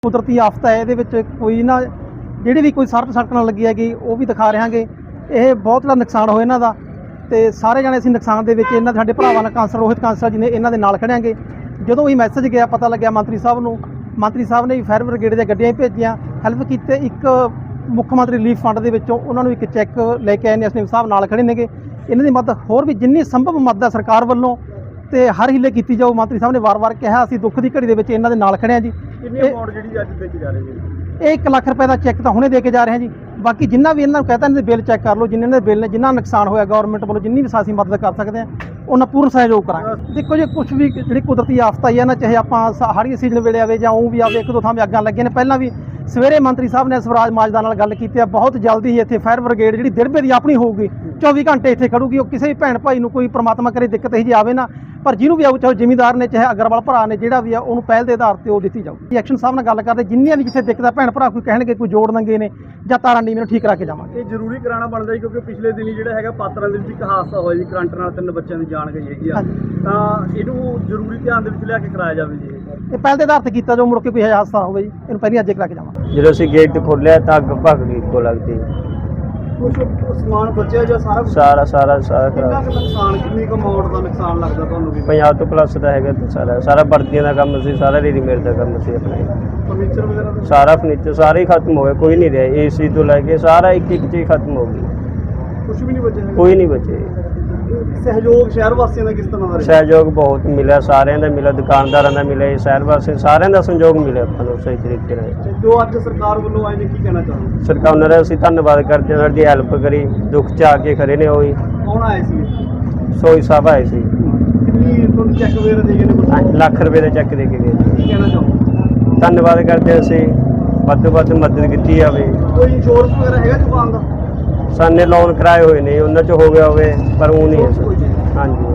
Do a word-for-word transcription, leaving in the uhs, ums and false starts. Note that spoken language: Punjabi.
ਕੁਦਰਤੀ ਆਫਤ ਹੈ, ਇਹਦੇ ਵਿੱਚ ਕੋਈ ਨਾ ਜਿਹੜੀ ਵੀ ਕੋਈ ਸੜਕ ਸੜਕ ਨਾਲ ਲੱਗੀ ਹੈਗੀ ਉਹ ਵੀ ਦਿਖਾ ਰਹਾਂਗੇ। ਇਹ ਬਹੁਤ ਜ਼ਿਆਦਾ ਨੁਕਸਾਨ ਹੋਇਆ ਇਹਨਾਂ ਦਾ, ਤੇ ਸਾਰੇ ਜਾਣੇ ਅਸੀਂ ਨੁਕਸਾਨ ਦੇ ਵਿੱਚ ਇਹਨਾਂ ਸਾਡੇ ਭਰਾਵਾਂ ਨਾਲ ਕਾਂਸਲ ਰੋਹਿਤ ਕਾਂਸਲ ਜੀ ਨੇ ਇਹਨਾਂ ਦੇ ਨਾਲ ਖੜਿਆਂਗੇ। ਜਦੋਂ ਵੀ ਮੈਸੇਜ ਗਿਆ ਪਤਾ ਲੱਗਿਆ ਮੰਤਰੀ ਸਾਹਿਬ ਨੂੰ, ਮੰਤਰੀ ਸਾਹਿਬ ਨੇ ਵੀ ਫਾਇਰ ਬ੍ਰਿਗੇਡ ਦੀਆਂ ਗੱਡੀਆਂ ਭੇਜੀਆਂ, ਹੈਲਪ ਕੀਤੇ। ਇੱਕ ਮੁੱਖ ਮੰਤਰੀ ਰਿਲੀਫ ਫੰਡ ਦੇ ਵਿੱਚੋਂ ਉਹਨਾਂ ਨੂੰ ਇੱਕ ਚੈੱਕ ਲੈ ਕੇ ਆਏ ਨੇ, ਐਸਡੀਐਮ ਸਾਹਿਬ ਨਾਲ ਖੜੇ ਨੇਗੇ। ਇਹਨਾਂ ਦੀ ਮਦਦ ਹੋਰ ਵੀ ਜਿੰਨੀ ਸੰਭਵ ਮਦਦ ਹੈ ਸਰਕਾਰ ਵੱਲੋਂ ਤੇ ਹਰ ਹੀਲੇ ਕੀਤੀ ਜਾਊ। ਮੰਤਰੀ ਸਾਹਿਬ ਨੇ ਵਾਰ-ਵਾਰ ਕਿਹਾ ਅਸੀਂ ਦੁੱਖ ਦੀ ਘੜੀ ਦੇ ਵਿੱਚ ਇਹਨਾਂ ਦੇ ਨਾਲ ਖੜੇ ਹਾਂ ਜੀ। ਕਿੰਨੀ ਅਮਾਉਂਟ ਜਿਹੜੀ ਅੱਜ ਦੇ ਕੇ ਜਾ ਰਹੇ ਜੀ? ਇਹ ਇੱਕ ਲੱਖ ਰੁਪਏ ਦਾ ਚੈੱਕ ਤਾਂ ਹੁਣੇ ਦੇ ਕੇ ਜਾ ਰਹੇ ਹਾਂ ਜੀ। ਬਾਕੀ ਜਿੰਨਾ ਵੀ ਇਹਨਾਂ ਨੂੰ ਕਹਤਾ ਇਹਨਾਂ ਦੇ ਬਿੱਲ ਚੈੱਕ ਕਰ ਲਓ, ਜਿੰਨੇ ਦੇ ਬਿੱਲ ਨੇ, ਜਿੰਨਾ ਨੁਕਸਾਨ ਹੋਇਆ ਗਵਰਨਮੈਂਟ ਵੱਲੋਂ ਜਿੰਨੀ ਵੀ ਅਸੀਂ ਮਦਦ ਕਰ ਸਕਦੇ ਹਾਂ ਉਹਨਾਂ ਪੂਰਨ ਸਹਿਯੋਗ ਕਰਾਂਗੇ। ਦੇਖੋ ਜੀ, ਕੁਝ ਵੀ ਜਿਹੜੀ ਕੁਦਰਤੀ ਆਫਤ ਆਈ ਹੈ ਨਾ, ਚਾਹੇ ਆਪਾਂ ਹਾੜੀ ਸੀਜ਼ਨ ਵੇਲੇ ਆਵੇ ਜਾਂ ਉਹ ਵੀ ਆਵੇ, ਇੱਕ ਦੋ ਥਾਂ 'ਤੇ ਅੱਗਾਂ ਲੱਗੀਆਂ ਨੇ। ਪਹਿਲਾਂ ਵੀ ਸਵੇਰੇ ਮੰਤਰੀ ਸਾਹਿਬ ਨੇ ਸਵਰਾਜ ਮਾਜਦਾ ਨਾਲ ਗੱਲ ਕੀਤੀ ਹੈ, ਬਹੁਤ ਜਲਦੀ ਹੀ ਇੱਥੇ ਫਾਇਰ ਬ੍ਰਿਗੇਡ ਜਿਹੜੀ ਦਿੜਬੇ ਦੀ ਆਪਣੀ ਹੋਊਗੀ, ਚੌਵੀ ਘੰਟੇ ਇੱਥੇ ਖੜੂਗੀ। ਉਹ ਕਿਸੇ ਵੀ ਭੈਣ ਭਾਈ ਨੂੰ ਕੋਈ ਪ੍ਰਮਾਤਮਾ ਕਰੇ ਦਿੱਕਤ ਇਹੀ ਜੀ ਆਵੇ ਨਾ, ਪਰ ਜਿਹਨੂੰ ਵੀ ਆਊ, ਚਾਹੇ ਜ਼ਿਮੀਂਦਾਰ ਨੇ ਚਾਹੇ ਅਗਰਵਾਲ ਭਰਾ ਨੇ, ਜਿਹੜਾ ਵੀ ਆ ਉਹਨੂੰ ਪਹਿਲ ਦੇ ਆਧਾਰ ਤੇ ਉਹ ਦਿੱਤੀ ਜਾਊਗੀ। ਐਕਸ਼ਨ ਸਾਹਿਬ ਨਾਲ ਗੱਲ ਕਰਦੇ, ਜਿੰਨੀਆਂ ਵੀ ਜਿੱਥੇ ਦਿੱਕਤ ਆ ਭੈਣ ਭਰਾ ਕੋਈ ਕਹਿਣਗੇ ਕੋਈ ਜੋੜ ਨੰਗੇ ਨੇ ਜਾਂ ਤਾਰਾਂ ਨੀਵੇਂ ਨੂੰ ਠੀਕ ਕਰਾ ਕੇ ਜਾਵਾਂਗੇ। ਇਹ ਜ਼ਰੂਰੀ ਕਰਾਉਣਾ ਬਣਦਾ ਜੀ, ਕਿਉਂਕਿ ਪਿਛਲੇ ਦਿਨੀ ਜਿਹੜਾ ਹੈਗਾ ਪਾਤਰਾਂ ਦੇ ਵਿੱਚ ਇੱਕ ਹਾਦਸਾ ਹੋਇਆ ਜੀ, ਕਰੰਟ ਨਾਲ ਤਿੰਨ ਬੱਚਿਆਂ ਦੀ ਜਾਨ ਗਈ ਹੈਗੀ ਆ, ਤਾਂ ਇਹਨੂੰ ਜ਼ਰੂਰੀ ਧਿਆਨ ਦੇ ਵਿੱਚ ਲਿਆ ਕੇ ਕਰਾਇਆ ਜਾਵੇ ਜੀ। ਇਹ ਪਹਿਲ ਦੇ ਆਧਾਰ ਤੇ ਕੀਤਾ ਜੋ ਮੁੜ ਕੇ ਕੋਈ ਹਾਦਸਾ ਹੋਵੇ ਜੀ, ਇਹਨੂੰ ਪਹਿਲਾਂ ਅੱਜੇ ਕਰਾ ਕੇ ਜਾਵਾਂਗੇ। ਜਦੋਂ ਅਸੀਂ ਗੇਟ ਖੋਲ੍ਹਿਆ ਤਾਂ ਅੱਗ ਭੱਗ ਗਈ ਇੱਕੋ ਲੱਗਦੀ। ਕੁਝ ਸਮਾਨ ਬਚਿਆ ਜਾਂ ਸਾਰਾ ਕੁਛ? ਸਾਰਾ ਸਾਰਾ ਸਾਰਾ ਕਿੰਨਾ ਖਰਾਬ। ਕੁ ਨੁਕਸਾਨ, ਕਿੰਨੀ ਕੁ ਅਮਾਉਂਟ ਦਾ ਨੁਕਸਾਨ ਲੱਗਦਾ ਤੁਹਾਨੂੰ ਵੀ? ਪੰਜਾਹ ਤੋਂ ਪਲੱਸ ਦਾ ਹੈਗਾ ਤੇ ਸਾਰਾ ਸਾਰਾ ਵਰਦੀਆਂ ਦਾ ਕੰਮ ਸੀ, ਸਾਰਾ ਰੈਡੀਮੇਡ ਦਾ ਕੰਮ ਸੀ ਆਪਣੇ। ਫਰਨੀਚਰ ਵਗੈਰਾ ਦਾ ਸਾਰਾ ਫਰਨੀਚਰ ਸਾਰਾ ਹੀ ਖਤਮ ਹੋ ਗਿਆ, ਕੋਈ ਨਹੀਂ ਰਿਹਾ। ਏਸੀ ਤੋਂ ਲੈ ਕੇ ਸਾਰਾ ਇੱਕ ਇੱਕ ਚੀਜ਼ ਖਤਮ ਹੋ ਗਈ, ਕੁਝ ਵੀ ਨਹੀਂ ਬਚਿਆ ਹੈਗਾ? ਕੋਈ ਨਹੀਂ ਬਚੇ। ਸਹਿਯੋਗ ਸ਼ਹਿਰ ਵਾਸੀਆਂ ਦਾ ਕਿਸ ਤਰ੍ਹਾਂ ਦਾ ਰਿਹਾ? ਸਹਿਯੋਗ ਬਹੁਤ ਮਿਲਿਆ, ਸਾਰਿਆਂ ਦਾ ਮਿਲਿਆ, ਦੁਕਾਨਦਾਰਾਂ ਦਾ ਮਿਲਿਆ, ਸ਼ਹਿਰ ਵਾਸੀ ਸਾਰਿਆਂ ਦਾ ਸਹਿਯੋਗ ਮਿਲਿਆ ਆਪਾਂ ਨੂੰ ਸਹੀ ਤਰੀਕੇ ਨਾਲ। ਜੋ ਅੱਜ ਸਰਕਾਰ ਵੱਲੋਂ ਆਏ ਨੇ, ਕੀ ਕਹਿਣਾ ਚਾਹੁੰਦੇ? ਸਰਕਾਰ ਉਹਨਾਂ ਦਾ ਅਸੀਂ ਧੰਨਵਾਦ ਕਰਦੇ ਹਾਂ, ਸਾਡੀ ਹੈਲਪ ਕਰੀ, ਦੁੱਖ 'ਚ ਆ ਕੇ ਖੜੇ ਨੇ। ਉਹੀ ਕੌਣ ਆਏ ਸੀ? ਸੋਈ ਸਾਹਿਬ ਆਏ ਸੀ, ਕਿੰਨੀ ਤੁਹਾਨੂੰ ਚੈੱਕ ਵਗੈਰਾ ਦੇ ਗਏ ਨੇ? ਕੁਛ ਲੱਖ ਰੁਪਏ ਦਾ ਚੈੱਕ ਦੇ ਕੇ ਗਏ। ਕੀ ਕਹਿਣਾ ਚਾਹੁੰਦੇ? ਧੰਨਵਾਦ ਕਰਦੇ ਅਸੀਂ, ਵੱਧ ਤੋਂ ਵੱਧ ਮਦਦ ਕੀਤੀ ਜਾਵੇ। ਕੋਈ ਇੰਸ਼ੋਰੈਂਸ ਵਗੈਰਾ ਹੈਗਾ ਦੁਕਾਨ ਦਾ? ਸਾਨੇ ਲੋਨ ਕਰਾਏ ਹੋਏ ਨੇ, ਉਹਨਾਂ 'ਚ ਹੋ ਗਿਆ ਹੋਵੇ, ਪਰ ਉਹ ਨਹੀਂ ਹੈ ਕੋਈ ਸਰ। ਨਹੀਂ। ਹਾਂਜੀ।